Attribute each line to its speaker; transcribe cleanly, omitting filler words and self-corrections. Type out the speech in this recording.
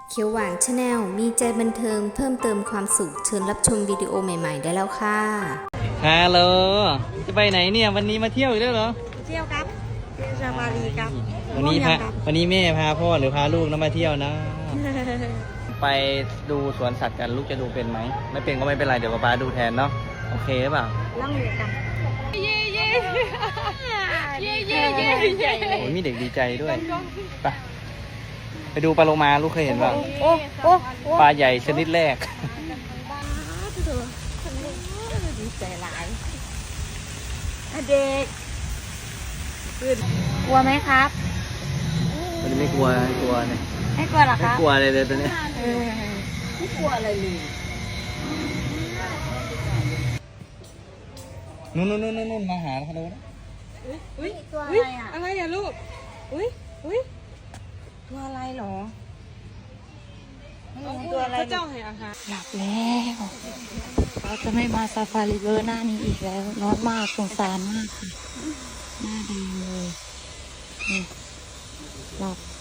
Speaker 1: เขียวหวานชาแนลมีใจบันเทิงเพิ่มเติมความสุขเชิญรับชมวิดีโอใหม่ๆได้แล้วค่ะ
Speaker 2: ฮัลโหลจะไปไหนเนี่ยวันนี้มาเที่ยวอีกแล้วเหรอ
Speaker 3: เที่ยวครับเที่ยวซาฟารีครับ
Speaker 2: วันนี้แม่พาพ่อหรือพาลูกนะมาเที่ยวนะ ไปดูสวนสัตว์กันลูกจะดูเป็นไหมไม่เป็นก็ไม่เป็นไรเดี๋ยวป๊าดูแทนเนาะโอเคหรือเปล่า
Speaker 3: ล่องเรือกันเย่เย่เย่เย่เย่
Speaker 2: โอ้ยมีเด็กดีใจด้วยไปดูปลาโลมาลูกเคยเห็นป่ะปลาใหญ่ชนิดแรก
Speaker 3: ดีใจหลายเด็กกลัวไหมครับ
Speaker 2: วันนี้ไม่กลัวเนี่ย
Speaker 3: ไม่กลัวหรอครับ
Speaker 2: ไม่กลัวเลยตัวนี้
Speaker 3: ไม่กลัวอะไรเลย
Speaker 2: นู่นมาหาเขาดูนะ
Speaker 3: อุ้ยตัวอะไรอ่ะอะไรอ่ะลูกอุ้ยตัวอะไรหรอตัวอะไรเจ้าให้อาหารหลับแล้วเราจะไม่มาซาฟารีเวอร์หน้านี้อีกแล้วนอนมากสงสารมากค่ะหน้าดีเลยหลับ